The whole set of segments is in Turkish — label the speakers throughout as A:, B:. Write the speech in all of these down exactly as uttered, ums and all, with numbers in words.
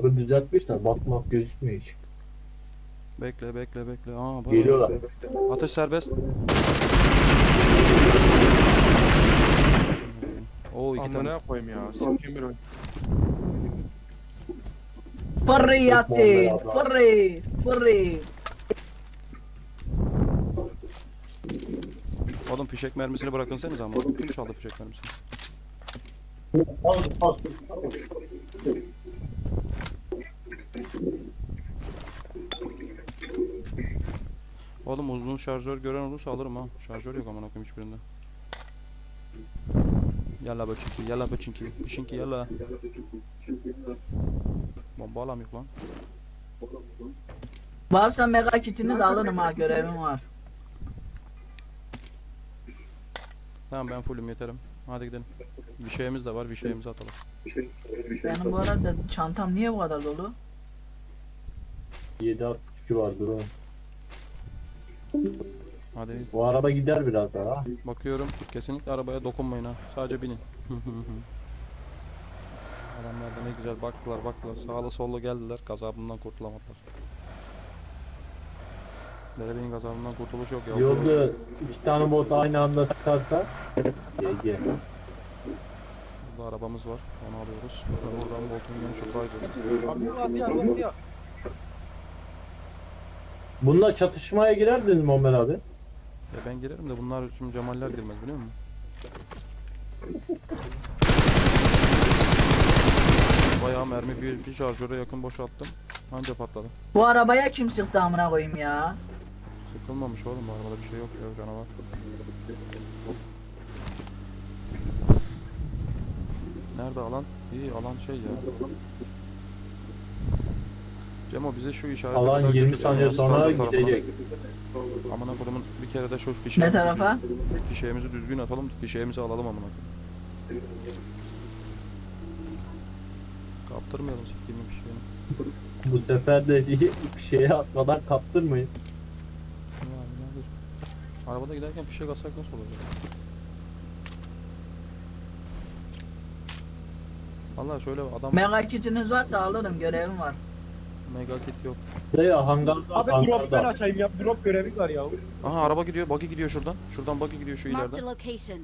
A: Bug'ı düzeltmişler. Bakmak gözükmüyor hiç.
B: Bekle bekle bekle. Aa bak.
A: Geliyorlar.
B: Atış serbest. Oo iki tane.
C: Amına koyayım ya. Sikeyim bir oyun.
D: Fırrı Yasin.
A: Muhammed abla.
D: Fırrı. Fırrı.
B: Oğlum fişek mermisini bırakınsanız ama. Kim çaldı fişek mermisini? Oğlum uzun şarjör gören olursa alırım ha. Şarjör yok amına koyayım hiçbirinde. Yalla böçünki, yalla böçünki, böçünki yalla. Bomba alam yok lan.
D: Varsa mega kitiniz alırım ha, görevim var.
B: Tamam ben fullüm yeterim. Hadi gidelim. Bir şeyimiz de var, bir şeyimizi atalım.
D: Benim bu arada çantam niye bu kadar dolu?
A: yedi altmış iki vardır o.
B: Hadi
A: Bu araba gider biraz daha.
B: bakıyorum. Kesinlikle arabaya dokunmayın ha. Sadece binin. Adamlar da ne güzel baktılar baktılar. Sağlı sollu geldiler. Gazabından kurtulamadılar. Derebeyin gazabından kurtuluş yok ya.
A: Yolda iki tane bot aynı anda sıkarsa G G.
B: Burada arabamız var. Onu alıyoruz. Buradan Bolton yeni şu Trizer.
C: Abi hadi hadi hadi ya.
A: Bununla çatışmaya girerdiniz mi Ömer abi?
B: Ya ben girerim de bunlar şimdi Cemaller girmez biliyor musun? Bayağı mermi bir, bir şarjöre yakın boşalttım. Anca patladı.
D: Bu arabaya kim sıktı amına koyayım ya?
B: Sıkılmamış oğlum bu arabada bir şey yok ya canavar. Nerede alan? İyi alan şey ya. Cemo bize şu işaret
A: Alan yirmi saniye sonra gidecek.
B: Amına kodumun bir kere de şu
D: Ne
B: fişeğimizi,
D: tarafa?
B: fişeğimizi düzgün atalım, fişeğimizi alalım amına koyayım. Kaptırmayalım siktiğimin fişeğini.
A: Bu sefer de şey- şeye atmadan kaptırmayın.
B: Ya nedir? Arabada giderken fişek atsak nasıl olacak? Vallahi şöyle adam
D: Mega kitiniz varsa alırım, görevim var.
B: mega kit yok.
A: Şey hangarda,
C: Abi drop ben
A: hangarda.
C: açayım ya. Drop görevi var ya.
B: Aha araba gidiyor, buggy gidiyor şuradan. Şuradan buggy gidiyor şu
E: Marked
B: ileriden.
E: a location.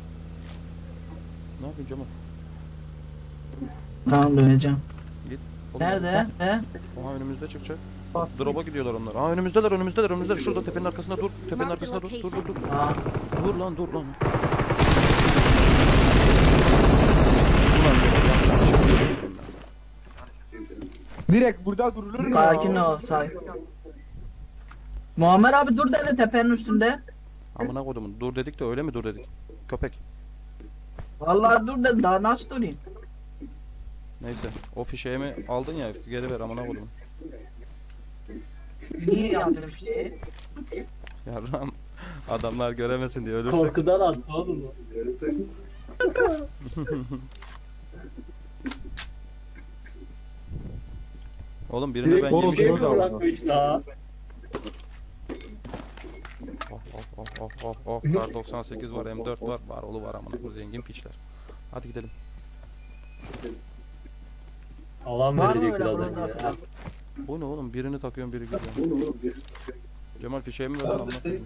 B: Ne yapayım Cemal?
D: Tamam, döneceğim.
B: Oğlum,
D: Nerede? He?
B: Aha önümüzde çıkacak. Drop'a gidiyorlar onlar. Aa önümüzdeler, önümüzdeler, önümüzdeler. Şurada tepenin arkasında dur. Tepenin arkasında dur. Dur dur dur.
D: Aa,
B: Dur lan dur lan. Ulan Cemal yapacak bir şey yok senin lan.
C: Direkt burada durulur mu?
D: sakin ol, sakin. Muammer abi dur dedi tepenin üstünde.
B: Amına kodumun. Dur dedik de öyle mi dur dedik? Köpek.
D: Vallahi dur dedi, daha nasıl durayım?
B: Neyse. O fişeğimi aldın ya geri ver amına kodumun.
D: Niye yaptın işte?
B: Yarram adamlar göremesin diye ölürsek.
A: Korkudan attı oğlum.
B: Oğlum birini
A: Direkt
B: ben
A: korkuyu
B: yemişim.
C: orada.
A: bırakmış la.
B: Oh oh oh oh oh oh. Kar doksan sekiz var, M dört var, var oğlu var amına bu zengin piçler. Hadi gidelim.
A: Alan
D: Var mı
A: verecek
D: öyle
A: birazdan
D: burada?
A: ya.
B: Bu ne oğlum? Birini takıyorum biri gidiyor. Cemal fişeğimi ver lan amına koyayım.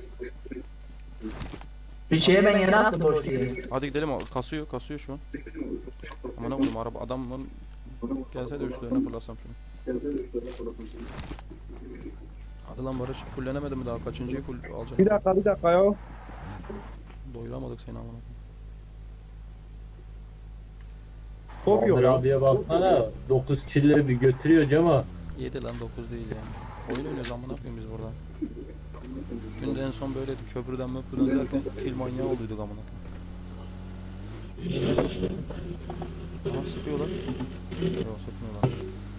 D: Bir şeye ben yere attım boş diye.
B: Hadi gidelim o kasıyor kasıyor şu an. Amına koyayım araba adamın gelse de üstlerine fırlasam şunu. Hadi lan Barış fullenemedi mi daha kaçıncıyı full alacak?
C: Bir dakika bir dakika ya.
B: Doyuramadık seni amına koyayım.
C: Top yok
A: Ömer
C: ya.
A: abiye baksana. dokuz kill'leri bir götürüyor Cema.
B: yedi lan dokuz değil yani. Oyun oynuyoruz amına koyayım biz burada. Dün de en son böyleydi köprüden möprüden derken kill manyağı olduyduk amına koyayım. Aha sıkıyorlar. Yok sıkmıyorlar.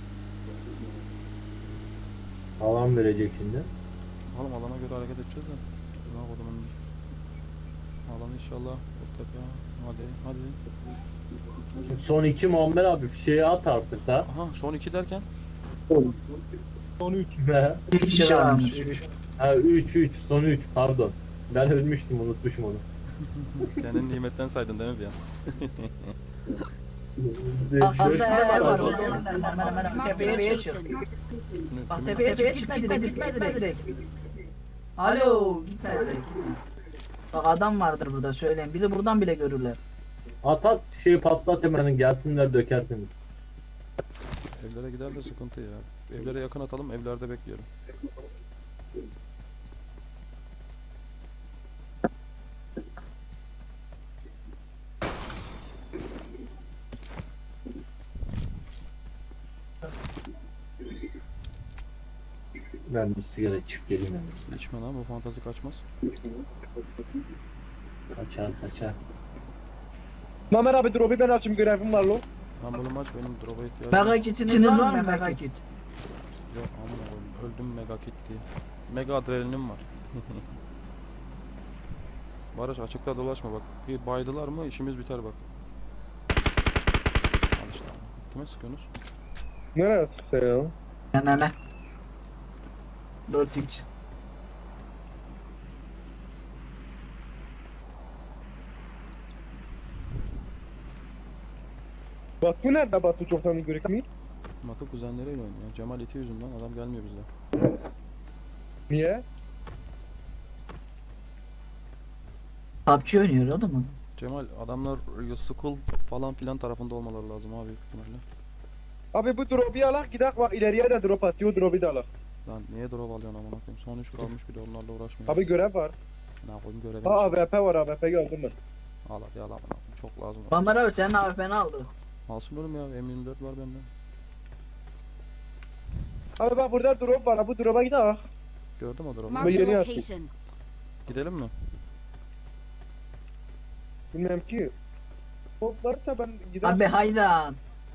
A: Alan verecek şimdi.
B: Oğlum alana göre hareket edeceğiz de. Ne yapalım? Alan inşallah bu tepe. Hadi hadi.
A: Son iki Muammer abi fişeği at artık da.
B: Aha son iki derken.
C: Son üç.
D: Bir kişi varmış.
A: Ha üç üç son üç pardon. Ben ölmüştüm unutmuşum onu.
B: Kendini nimetten saydın değil mi bir an?
D: Arkamda ev var.
A: Arkamda.
D: Hemen hemen hemen
E: Marked a
D: tepeye çık.
E: location.
B: Kimi-
D: Bak
B: kimi-
D: tepeye çık, gitme direkt, gitme direkt. Alo, gitme direkt. Bak adam vardır burada, söyleyeyim. Bizi buradan bile görürler.
A: At at şeyi patlat hemen gelsinler dökersiniz.
B: Evlere gider de sıkıntı ya. Evlere yakın atalım, evlerde bekleyelim.
A: Ben bir sigara içip geleyim hemen.
B: İçme lan, bu fantazi kaçmaz.
A: Kaçar kaçar.
C: Mamer abi dur abi ben açayım görevim var lo.
B: Ambulum aç, benim drop'a ihtiyacım
D: Mega
B: yok.
D: kitiniz var mı mega kit?
B: Ya aman Allah'ım, öldüm mega kit diye. Mega adrenalinim var. Barış açıkta dolaşma bak. Bir baydılar mı işimiz biter bak. Al işte. Kime sıkıyorsunuz?
C: Nereye sıksa ya?
D: Hemen. dört x.
C: Batu nerede Batu çoktan görük mü?
B: Matı kuzenleriyle oynuyor. Cemal iti yüzünden adam gelmiyor bizde.
C: Niye?
D: P U B G oynuyor o da mı?
B: Cemal adamlar school falan filan tarafında olmaları lazım abi büyük ihtimalle.
C: Abi bu drop'u alak gidek bak ileriye de drop atıyor drop'u da alak.
B: Lan niye drop alıyorsun amına koyayım? Son üç kalmış bir de onlarla uğraşmıyor.
C: Abi görev var.
B: Ne koyayım görev
C: Ha
B: için.
C: A W P var A W P aldım ben.
B: Al hadi al amına koyayım. Çok lazım.
D: Muammer abi senin A W P'ni aldı.
B: Alsın oğlum ya M yirmi dört var bende.
C: Abi bak burada drop var bu drop'a gidek.
B: Gördün mü o drop'u?
E: Marked a
C: yeni yaptım.
E: location.
B: Gidelim mi?
C: Bilmem ki. Top varsa ben giderim.
D: Abi hayran.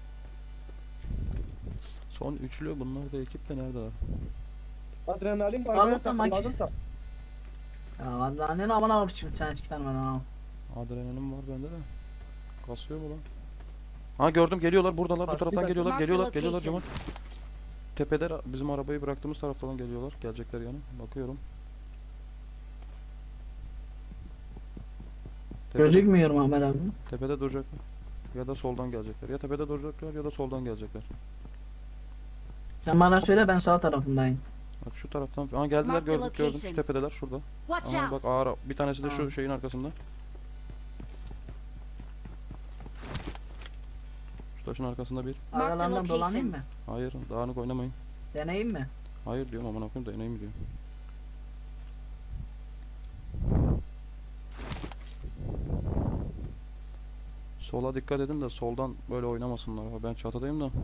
B: Son üçlü bunlar da ekip de neredeler?
C: Adrenalin var.
D: Al
C: ben
D: o zaman.
C: takılmadım da.
D: Ya vallahi ne aman abi şimdi sen çıkar bana.
B: Adrenalin var bende de. Kasıyor mu lan? Ha gördüm geliyorlar buradalar bu
C: Bak,
B: taraftan
C: bir
B: geliyorlar
E: dakika.
B: geliyorlar
E: Marked
B: geliyorlar Cemal.
E: location.
B: Tepede bizim arabayı bıraktığımız taraftan geliyorlar. Gelecekler yani. Bakıyorum. Tepede,
D: Gözükmüyor Muammer abi.
B: tepede duracaklar. Ya da soldan gelecekler. Ya tepede duracaklar ya da soldan gelecekler.
D: Sen bana söyle ben sağ tarafındayım.
B: Bak şu taraftan. Aa geldiler
E: Marked
B: gördüm gördüm. Şu
E: location.
B: tepedeler şurada.
E: Watch
B: Aa bak
E: out.
B: ağır. Bir tanesi de
D: Aa.
B: şu şeyin arkasında. Şu taşın arkasında bir.
E: Marked
D: Aralarından
E: location.
D: dolanayım mı?
B: Hayır dağınık oynamayın.
D: Deneyeyim mi?
B: Hayır diyorum aman okuyayım da ineyim diyorum. Sola dikkat edin de soldan böyle oynamasınlar. Ben çatıdayım da.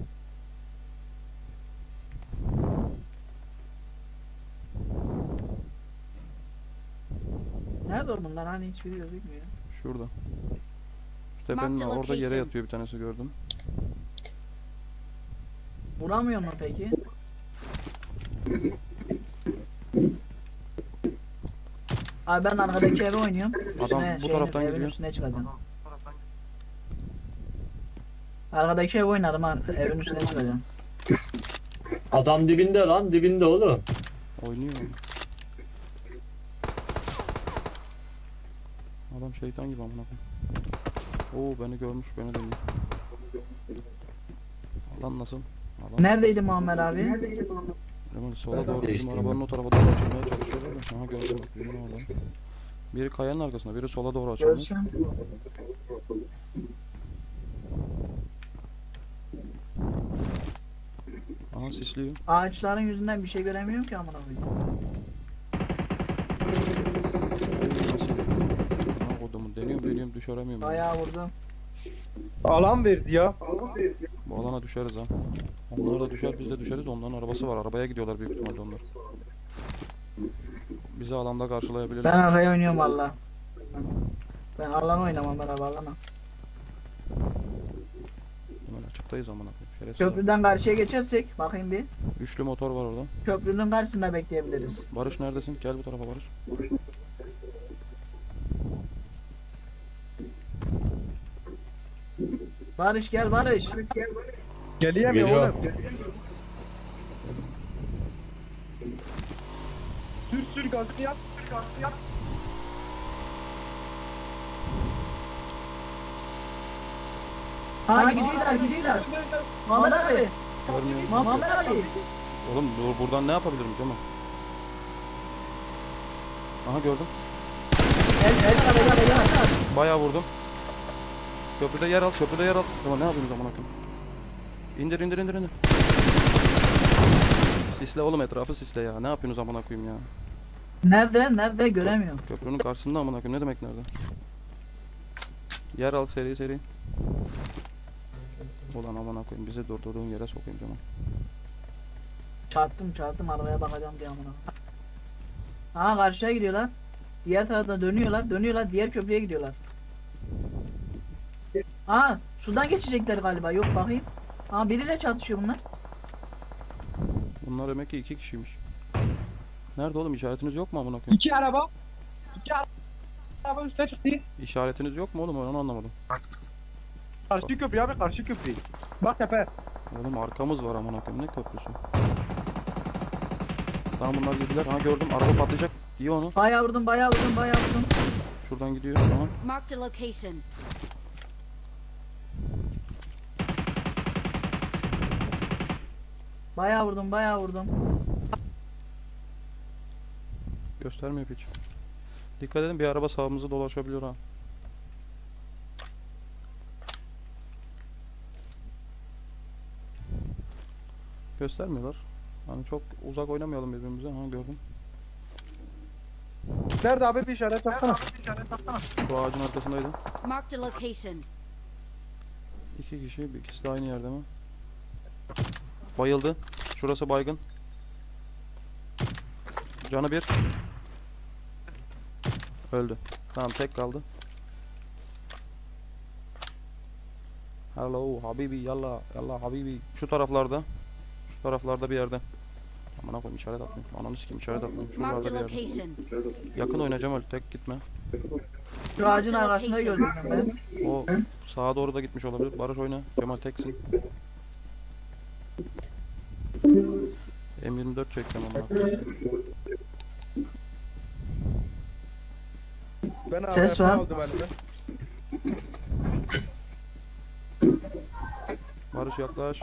D: Nerede o bunlar hani hiçbiri gözükmüyor.
B: Şurada. Şu tepenin
E: Marked
B: orada yere
E: location.
B: yatıyor bir tanesi gördüm.
D: Vuramıyor mu peki? Abi ben arkadaki eve oynuyorum.
B: Adam
D: Üstüne
B: bu
D: şeyin,
B: taraftan
D: evin
B: gidiyor.
D: üstüne çıkacağım. Arkadaki ev oynadım ha. Evin üstüne çıkacağım.
A: Adam dibinde lan dibinde oğlum.
B: Oynuyor. Adam şeytan gibi amına koyayım. Oo beni görmüş beni deniyor. Alan nasıl? Alan.
D: Neredeydi Muammer abi?
B: Hemen sola doğru bizim
A: Değiştirdim.
B: arabanın o tarafa doğru açılmaya çalışıyorlar da. Aha gördüm bak birinin orada. Biri kayanın arkasında, biri sola doğru açılmış.
D: Görsem.
B: Aha sisliyor.
D: Ağaçların yüzünden bir şey göremiyorum ki amına koyayım.
B: Aha kodumu deniyorum deniyorum düşüremiyorum. yani.
D: Bayağı vurdum.
C: Alan verdi ya.
B: Bu alana düşeriz ha. Onlar da düşer biz de düşeriz. Onların arabası var. Arabaya gidiyorlar büyük ihtimalle onlar. Bizi alanda karşılayabilirler.
D: Ben arkaya oynuyorum valla. Ben alan oynamam ben abi alana.
B: Hemen açıktayız amına koyayım. Şerefsiz.
D: Köprüden karşıya geçersek bakayım bir.
B: Üçlü motor var orada.
D: Köprünün karşısında bekleyebiliriz.
B: Barış neredesin? Gel bu tarafa Barış.
D: Barış gel Barış.
C: Geleyim ya
A: Geliyor.
C: oğlum. Sür sür gazını yap. Sür gazını yap.
D: Ha gidiyorlar gidiyorlar. Muhammed abi.
B: Görmüyorum.
D: Muhammed abi.
B: Oğlum dur, buradan ne yapabilirim Cemal? Aha gördüm.
D: El el el el el.
B: Bayağı vurdum. Köprüde yer al, köprüde yer al. Tamam ne yapayım zaman akım? İndir indir indir indir. Sisle oğlum, etrafı sisle ya. Ne yapıyorsunuz amına koyayım ya?
D: Nerede? Nerede? Göremiyorum.
B: Köprünün karşısında amına koyayım. Ne demek nerede? Yer al seri seri. Ulan amına koyayım, bizi durdurduğun yere sokayım Cemal.
D: Çarptım çarptım arabaya bakacağım diye amına. Ha karşıya gidiyorlar. Diğer tarafta dönüyorlar. Dönüyorlar. Diğer köprüye gidiyorlar. Ha sudan geçecekler galiba. Yok bakayım. Ha biriyle çatışıyor bunlar.
B: Bunlar demek ki iki kişiymiş. Nerede oğlum, işaretiniz yok mu amına koyayım?
C: İki araba. İki araba üstüne çıktı.
B: İşaretiniz yok mu oğlum, ben onu anlamadım.
C: Karşı köprü abi, karşı köprü. Bak tepe.
B: Oğlum arkamız var amına koyayım, ne köprüsü? Tamam bunlar girdiler. Ha gördüm, araba patlayacak. İyi onu.
D: Bayağı vurdum bayağı vurdum bayağı vurdum.
B: Şuradan gidiyor, tamam.
E: Marked a location.
D: Bayağı vurdum bayağı vurdum.
B: Göstermiyor hiç. Dikkat edin, bir araba sağımızı dolaşabiliyor ha. Göstermiyorlar. Hani çok uzak oynamayalım birbirimize. Ha gördüm.
C: Nerede abi, bir işaret baksana.
B: Şu ağacın arkasındaydı.
E: Marked a location.
B: İki kişi, ikisi de aynı yerde mi? Bayıldı. Şurası baygın. Canı bir. Öldü. Tamam tek kaldı. Hello habibi, yalla yalla habibi. Şu taraflarda. Şu taraflarda bir yerde. Aman koyayım, işaret atmayayım. Ananı sikeyim, işaret atmayayım.
E: Marked a
B: Şuralarda bir yerde.
E: location.
B: Yakın oynayacağım, öyle tek gitme.
D: Şu ağacın arkasında gördüm ben.
B: O sağa doğru da gitmiş olabilir. Barış oyna. Cemal teksin. M yirmi dört çekeceğim ama.
C: Ben
D: Ses
C: A W P
D: var.
C: aldım elime.
B: Barış yaklaş.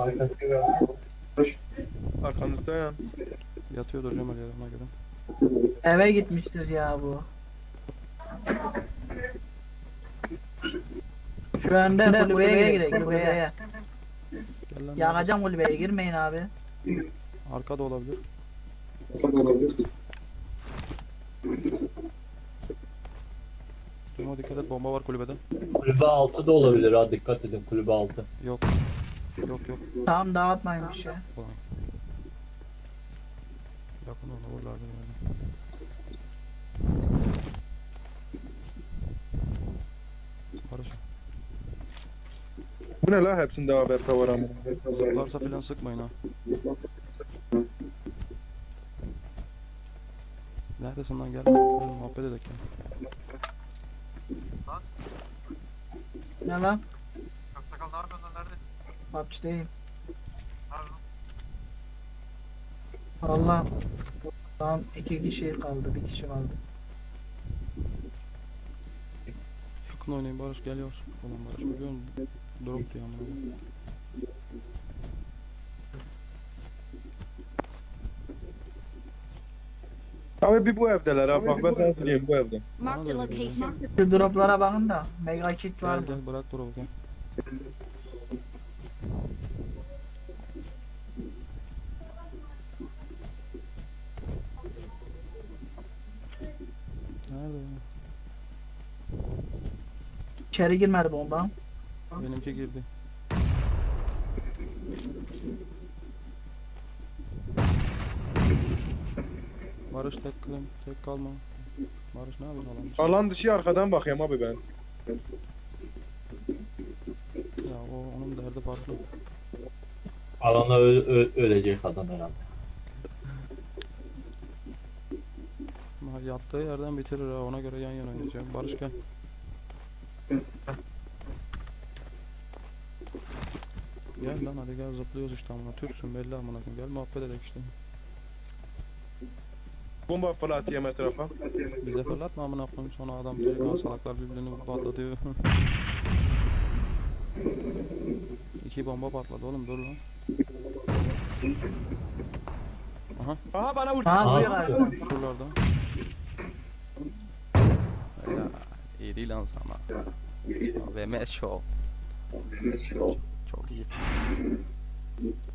C: Arkanızda ya.
B: Yatıyordur Cemal yerine göre.
D: Eve gitmiştir ya bu. Şu anda kulübeye gidelim kulübeye.
B: Gel lan.
D: Yakacağım kulübeye girmeyin abi.
B: Arka da olabilir. Cemal dikkat et, bomba var kulübede.
A: Kulübe altı da olabilir ha, dikkat edin, kulübe altı.
B: Yok. Yok yok.
D: Tamam dağıtmayın bir şey.
B: Ulan. Yakın ona vurlardı yani. Barış.
C: Bu ne la, hepsinde A W P var ama.
B: Zıplarsa filan sıkmayın ha. Neredesin lan, gel. Gel muhabbet edelim ya.
D: Ne lan? Hapisteyim. Allah. Tamam iki kişi kaldı, bir kişi kaldı.
B: Yakın oynayın Barış, gel yavaş. Ulan Barış biliyor musun? Drop diyor ama.
C: Abi bir bu evdeler abi, bak ben sana söyleyeyim, bu evde.
E: Marked a location.
D: Şu droplara bakın da mega kit var
B: Gel
D: mı?
B: gel, bırak drop'u gel. Nerede ya?
D: İçeri girmedi bomba.
B: Benimki girdi. Barış tek kılım, tek kalma. Barış ne yapıyorsun alan dışı?
C: Alan dışı arkadan bakayım abi ben.
B: Ya o onun derdi farklı.
A: Alana ö- ö- ölecek adam herhalde.
B: Ama yattığı yerden bitirir ha, ona göre yan yana oynayacağım. Barış gel. Gel lan hadi gel, zıplıyoruz işte amına. Türksün belli amına koyayım. Gel muhabbet edelim işte.
C: Bomba fırlatayım etrafa.
B: Bize fırlatma amına koyayım, sonra adam direkt salaklar birbirini patlatıyor. İki bomba patladı oğlum, dur lan. Aha,
C: Aha bana vurdu.
D: Aha vuruyor
A: Aa,
D: galiba.
B: şuralarda. Helal. İyi lan sana. V M Show. Çok iyi.